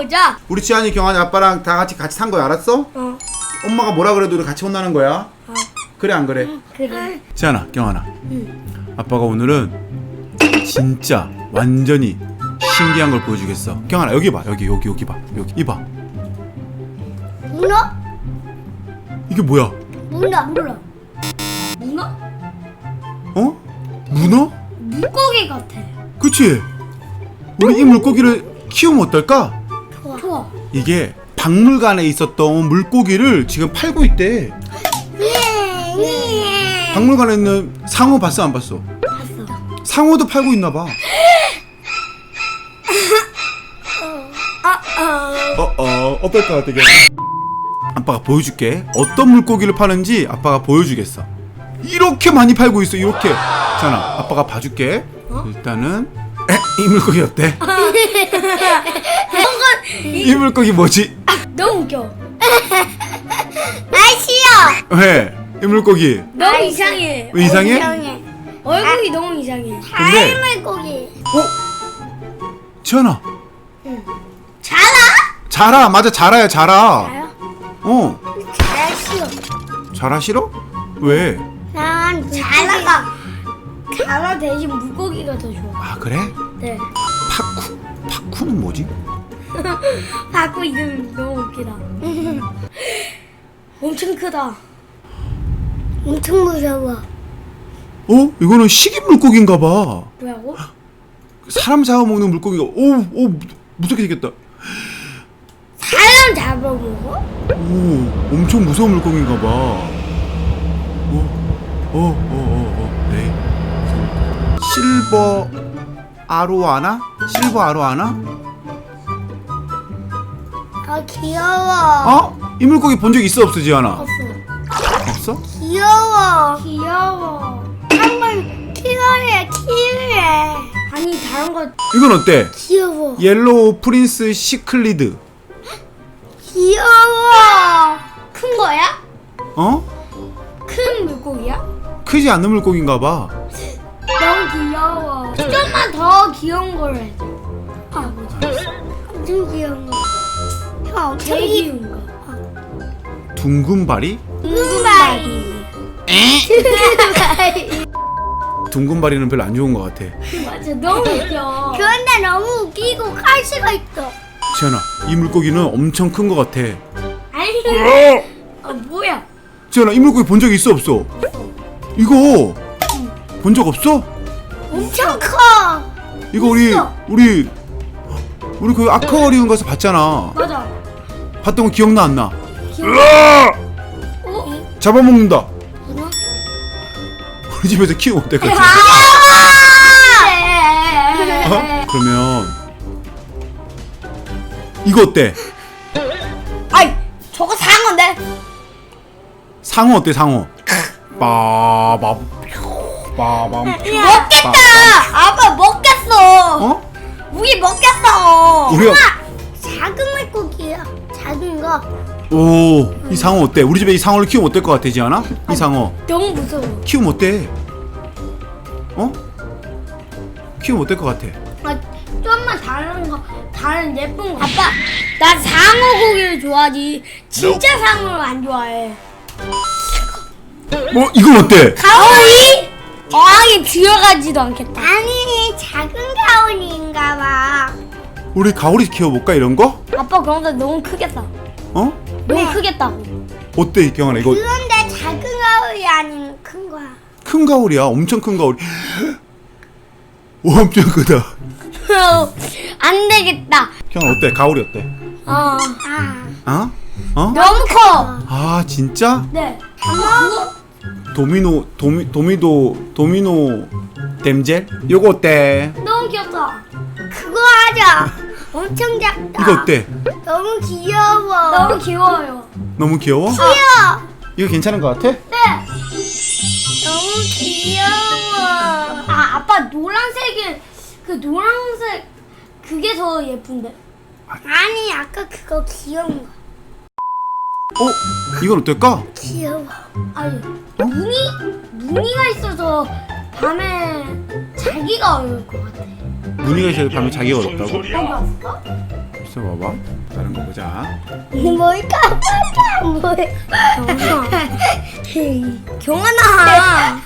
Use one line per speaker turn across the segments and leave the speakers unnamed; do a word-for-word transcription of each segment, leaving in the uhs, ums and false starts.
보자.
우리 지한이 경환이 아빠랑 다 같이 같이 산 거야, 알았어?
어.
엄마가 뭐라 그래도 우리 같이 혼나는 거야.
어.
그래 안 그래?
응, 그래.
지한아, 경환아.
응.
아빠가 오늘은 진짜 완전히 신기한 걸 보여주겠어. 경환아 여기 봐, 여기 여기 여기 봐, 여기 이봐.
문어?
이게 뭐야?
문어. 문어. 문어?
어? 문어?
물고기 같아.
그치? 우리 이 물고기를 키우면 어떨까?
좋아. 좋아.
이게 박물관에 있었던 물고기를 지금 팔고 있대. 박물관에 있는 상어 봤어 안 봤어?
봤어.
상어도 팔고 있나 봐.
아, 아.
어어 어떨 것 같아? 아빠가 보여줄게. 어떤 물고기를 파는지 아빠가 보여주겠어. 이렇게 많이 팔고 있어. 이렇게. 자나 아빠가 봐줄게.
어?
일단은 에? 이 물고기 어때? 이 물고기 뭐지?
너무 웃겨. 날씨요.
왜? 이 물고기
너무 이상해.
왜 이상해?
이상해. 얼굴이 너무 이상해.
근데
물고기.
어? 지연아
자라?
자라 맞아 자라야 자라.
자요?
어
자라 싫어.
자라 싫어? 왜?
난 자라가 자라 대신 물고기가 더 좋아.
아 그래?
네.
파쿠 파쿠는 뭐지?
바꾸 이름 너무 웃기다. 엄청 크다. 엄청 무서워.
어? 이거는 식이 물고기인가 봐.
뭐라고?
사람 잡아먹는 물고기가 오오 무섭게 생겼다.
사람 잡아먹어?
오 엄청 무서운 물고기인가 봐. 오오오오 네. 실버 아로아나? 실버 아로아나?
아 귀여워.
어? 이 물고기 본 적 있어 없어 지안아?
없어.
없어?
귀여워. 귀여워. 한번 키워야 키우래. 아니 다른 거
이건 어때?
귀여워.
옐로우 프린스 시클리드.
귀여워. 큰 거야?
어?
큰 물고기야?
크지 않는 물고기인가 봐.
너무 귀여워. 좀만 더 귀여운 걸 해줘. 아 뭐지? 엄청 귀여운 거. 형 엄청 귀여운 거.
둥근바리?
둥근바리.
둥근바리는 별로 안 좋은 것 같아.
맞아 너무 웃겨. 그런데 너무 웃기고 칼수가 있어.
지안아 이 물고기는 엄청 큰 것 같아.
아니. 아 뭐야?
지안아 이 물고기 본 적 있어 없어? 이거 본 적 없어?
엄청 커.
이거 우리
있어.
우리 우리 그 아쿠아리움 가서 봤잖아.
맞아.
봤던 거 기억나 안 나?
어?
잡아먹는다.
뭐야?
우리 집에서 키우면 어떨 것 같아? 어? 그러면 이거 어때?
아이 저거 사는 건데.
상어 어때 상어? 빠밤 빠밤
먹겠다. 아빠 먹겠어.
어?
우리 먹겠어.
우리가
작은 물고기야. 작은 거.
오, 이 상어 어때? 우리 집에 이 상어를 키우면 어떨 것 같아, 지안아? 이 상어
너무 무서워.
키우면 어때? 어? 키우면 어떨 것 같아?
아, 좀만 다른 거, 다른 예쁜 거. 아빠, 나 상어 고기를 좋아하지. 진짜 상어를 안 좋아해.
뭐 이건 어때?
가오리? 어항에 들어가지도 않겠다. 아니, 작은 가오리인가 봐.
우리 가오리 키워볼까 이런 거?
아빠 그런데 너무 크겠다.
어?
너무 크겠다고.
어때 경환아 이거?
그런데 작은 가오리 아니면 큰 거야.
큰 가오리야, 엄청 큰 가오리. 오, 엄청 크다.
안 되겠다.
경환 어때? 가오리 어때?
어.
어? 어?
너무 커.
아 진짜?
네. 엄마.
도미노 도미 도미도 도미노 댐젤? 요거 어때?
너무 귀엽다. 그거 하자. 엄청 작다.
이거 어때?
너무 귀여워. 너무 귀여워요.
너무 귀여워?
귀여워.
이거 괜찮은 것 같아?
네. 너무 귀여워. 아, 아빠 노란색이 그 노란색 그게 더 예쁜데. 아니, 아까 그거 귀여운 거.
어? 이건 어떨까?
귀여워. 아니, 무늬 무늬가 있어서 밤에 자기가 어려울 것 같아.
무늬가 있어서 밤에 자기가 어렵다고?
여기 왔어?
있어봐봐. 다른 거 보자.
뭘까? 뭘까? 경환아.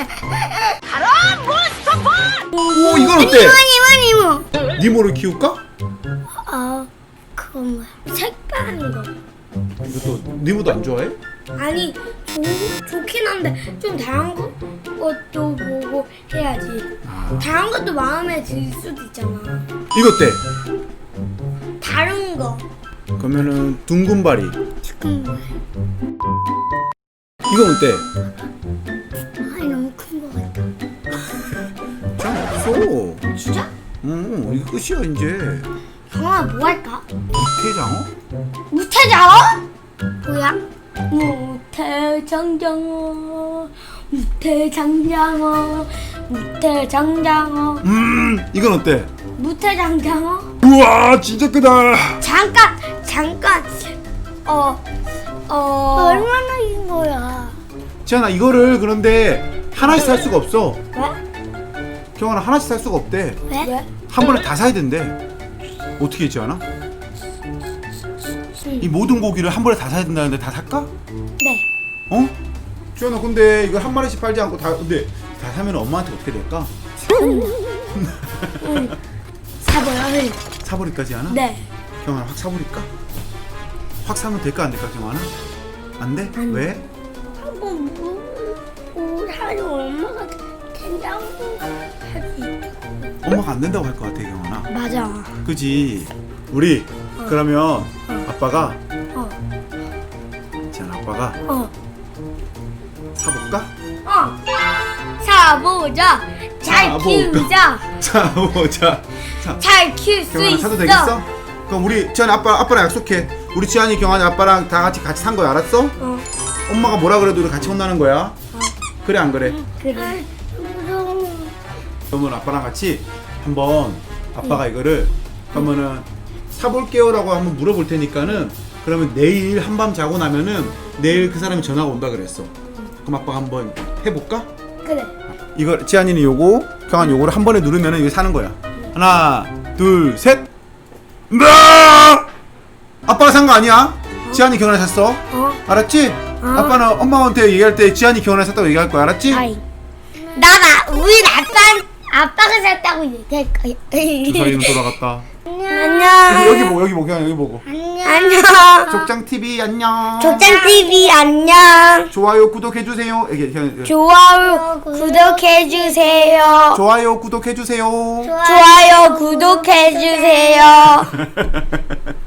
오 이건 어때?
이모 이모 이모.
니모를 키울까?
아 그건 뭐야? 색다른 거.
이것도 니모도 안 좋아해?
아니 좋, 좋긴 한데 좀 다양한 거, 것도 보고 해야지.
아.
다양한 것도 마음에 들 수도 있잖아.
이거 어때?
다른 거.
그러면은 둥근바리.
지금 뭐야?
이건 어때?
아니 너무 큰 거 같다.
짱 없어.
진짜?
응 이거 끝이야 이제.
경아 뭐 할까?
태장어?
무태장어? 뭐야? 무태장장어, 무태장장어, 무태장장어,
음 이건 어때?
무태장장어.
우와 진짜 크다.
잠깐, 잠깐. 어, 어. 얼마나 인 거야?
지안아 이거를 그런데 하나씩 살 수가 없어.
왜?
경환아 하나씩 살 수가 없대.
왜? 왜?
한 번에 다 사야 된대. 어떻게 했지 않아? 이 모든 고기를 한 번에 다 사야 된다는데 다 살까?
네.
어? 지안아 근데 이거 한 마리씩 팔지 않고 다 근데 다 사면 엄마한테 어떻게 될까?
응. 사버려.
사버릴까지 않아?
네.
경환아 확 사버릴까? 확 사면 될까 안 될까 경환아? 안 돼?
안 돼.
왜?
한번 뭐 하루 엄마가 된다고 할 수 있다.
엄마가 안 된다고 할 것 같아 경환아.
맞아.
그지? 우리 그러면 아빠가
어.
지안 아빠가
어.
사볼까?
어. 사보자. 잘
사볼까?
키우자.
사보자. 사.
잘 키울 수
경환아
있어.
사도 되겠어? 그럼 우리 지안이 아빠 아빠랑 약속해. 우리 지안이 경환이 아빠랑 다 같이 같이 산 거야 알았어?
어.
엄마가 뭐라 그래도 우리 같이 혼나는 거야. 그래 안 그래?
그래. 무서워.
그러면 아빠랑 같이 한번 아빠가 이거를 그러면은 사볼게요라고 한번 물어볼 테니까는 그러면 내일 한밤 자고 나면은 내일 그 사람이 전화가 온다 그랬어. 그럼 아빠가 한번 해볼까?
그래.
이거 지안이는 요거 경환 요거를 한 번에 누르면은 이거 사는 거야. 하나 둘 셋. 나 아빠가 산 거 아니야? 지안이 경환이 샀어.
어.
알았지? 아빠는 엄마한테 얘기할 때 지안이 경환이 샀다고 얘기할 거야. 알았지?
아이. 나나 우리 아빠 아빠가 샀다고 얘기할 거야.
주사위는 돌아갔다.
안녕.
여기 보고 여기 보고 그냥 여기 보고.
안녕.
족장 티비 안녕.
족장 티비 안녕.
좋아요 구독해 주세요. 여기 그냥
좋아요 구독해 주세요.
좋아요 구독해 주세요.
좋아요 구독해 주세요.